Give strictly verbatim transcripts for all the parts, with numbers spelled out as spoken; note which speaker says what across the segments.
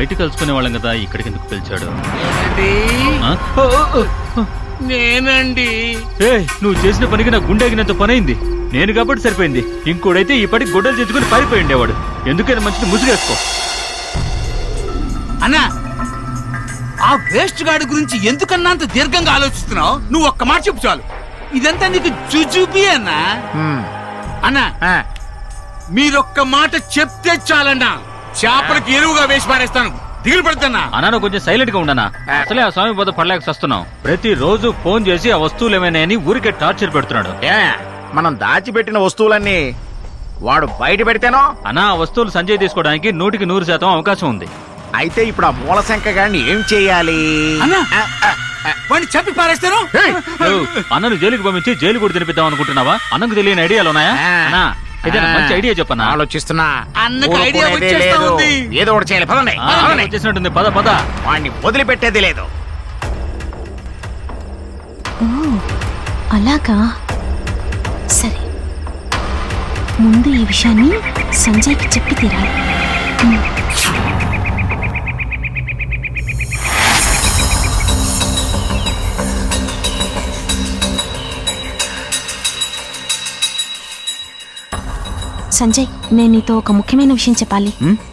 Speaker 1: బయట కలుసుకునే వాళ్ళం కదా, ఇక్కడికి ఎందుకు పిలిచాడు?
Speaker 2: నేనండి.
Speaker 1: ఏ నువ్వు చేసిన పనికి నా గుండెగినంత పని అయింది. నేను కాబట్టి సరిపోయింది. ఇంకోడైతే ఈ పనికి గొడ్డలు తెచ్చుకుని పారిపోయి ఉండేవాడు. ఎందుకైనా మంచిది ముసుగేసుకో.
Speaker 2: అన్నా, ఆ వేస్ట్ గాడి గురించి ఎందుకన్నా అంత దీర్ఘంగా ఆలోచిస్తున్నావు? నువ్వు ఒక్క మాట చెప్పు చాలు. ఇదంతా నీకు జుజుబి అన్నా. అన్నా, మీరొక్క మాట చెప్తే చాలన్నా, చేపలకి ఎరువుగా వేసి పారేస్తాను. దిగులు పడుతున్నా
Speaker 1: అన్నా, కొంచెం సైలెంట్ గా ఉండనా? అసలే ఆ స్వామి బోధ పడలేక వస్తున్నాం. ప్రతి రోజు ఫోన్ చేసి ఆ వస్తువులు ఏమైనాయని ఊరికే టార్చర్ పెడుతున్నాడు.
Speaker 3: మనం దాచిపెట్టిన వస్తువులన్నీ వాడు బయట పెడితేనో
Speaker 1: అన్నా, ఆ వస్తువులు సంజయ్ తీసుకోవడానికి నూటికి నూరు శాతం అవకాశం ఉంది.
Speaker 3: అయితే ఇప్పుడు ఆ మూలశంక గారిని ఏం చెయ్యాలి?
Speaker 2: వాడిని చెప్పి పారేస్తాను.
Speaker 1: అన్నను జైలుకి పంపించి జైలు కూడా తినిపిద్దాం అనుకుంటున్నావా? అన్నకు తెలియని ఐడియాలు ఉన్నాయా? అన్నా, ఏదైనా మంచి ఐడియా చెప్పన్నా.
Speaker 3: ఆలోచిస్తున్నా.
Speaker 2: అన్నకు ఐడియా వచ్చేస్తా ఉంది.
Speaker 3: ఏదో ఒకటి చేయాలి. పదండి.
Speaker 1: వచ్చేసినట్టుంది. పద పద.
Speaker 3: వాడిని వదిలిపెట్టేది లేదు.
Speaker 4: అలాగా, సరే, ముందు ఈ విషయాన్ని సంజయ్కి చెప్పి తీరాలి. సంజయ్, నేను నీతో ఒక ముఖ్యమైన విషయం చెప్పాలి.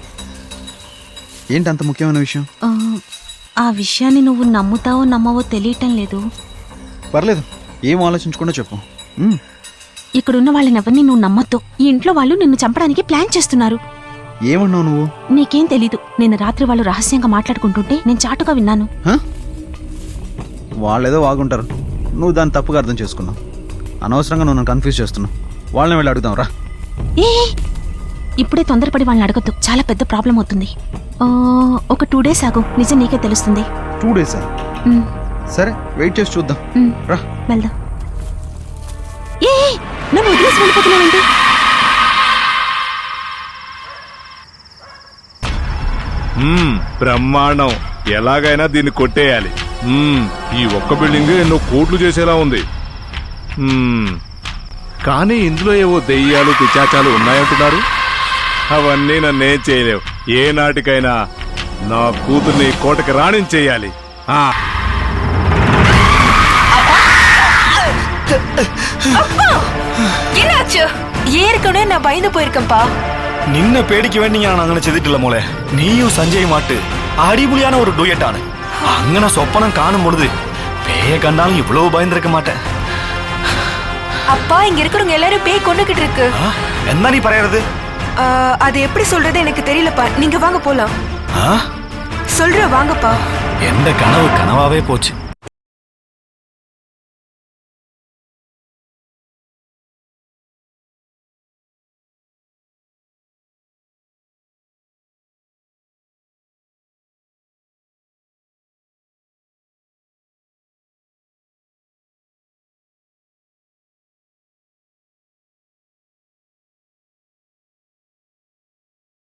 Speaker 5: ఏంటి అంత ముఖ్యమైన విషయం?
Speaker 4: ఆ విషయాన్ని నువ్వు నమ్ముతావో నమ్మవో తెలియటం లేదు.
Speaker 5: పర్లేదు, ఏం ఆలోచించకుండా చెప్పు.
Speaker 4: ఇక్కడున్న వాళ్ళని ఎవరిని నువ్వు నమ్మొద్దు. ఈ ఇంట్లో వాళ్ళు నిన్ను చంపడానికి ప్లాన్ చేస్తున్నారు.
Speaker 5: ఏమన్నావు నువ్వు?
Speaker 4: నీకేం తెలీదు. నిన్న రాత్రి వాళ్ళు రహస్యంగా మాట్లాడుకుంటుంటే నేను చాటుగా విన్నాను.
Speaker 5: వాళ్ళేదో వాగుంటారు, నువ్వు దాన్ని తప్పుగా అర్థం చేసుకున్నావు. అనవసరంగా నువ్వు నన్ను కన్ఫ్యూజ్ చేస్తున్నావు. వాళ్ళని వెళ్ళి అడుగుదాం రా.
Speaker 4: ఏ ఇప్పుడే తొందరపడి వాళ్ళని అడగద్దు, చాలా పెద్ద ప్రాబ్లం అవుతుంది. ఒక టూ డేస్ ఆగు, నిజం నీకే తెలుస్తుంది.
Speaker 5: టూ డేసా? సరే, వెయిట్ చేసి చూద్దాం. రా
Speaker 4: వెళ్దాం. ఏ నన్ను వదిలేసి వెళ్ళిపోతున్నావంటే?
Speaker 6: బ్రహ్మాండం. ఎలాగైనా దీన్ని కొట్టేయాలి. ఈ ఒక్క బిల్డింగ్ ఎన్నో కోట్లు చేసేలా ఉంది. కానీ ఇందులో ఏవో దెయ్యాలు పిశాచాలు ఉన్నాయంటున్నారు. అవన్నీ నన్నేం చేయలేవు. ఏ నాటికైనా నా కూతుర్ని కోటకి రాణించేయాలి.
Speaker 7: ஏற்கனவே நான் பயந்து போயிருக்கேன்ப்பா.
Speaker 8: நின்ன பேடிக்க வேண்டி நான் அங்கே செதுட்டில்ல மோளே. நீயும் சஞ்சய் மாட்டு அடிபுலியான ஒரு டூயட்டானு அங்கன சொப்பனம் காணும் பொழுது பேய கண்டாலும் இவ்வளவு பயந்துருக்க மாட்டேன்.
Speaker 7: அப்பா, இங்க இருக்கிறவங்க எல்லாரும் பேய் கொண்டுகிட்டு இருக்கு.
Speaker 8: என்ன நீ பரையறது?
Speaker 7: அது எப்படி சொல்றது எனக்கு தெரியலப்பா. நீங்க வாங்க போலாம். சொல்ற வாங்கப்பா.
Speaker 8: எந்த கனவு கனவாவே போச்சு.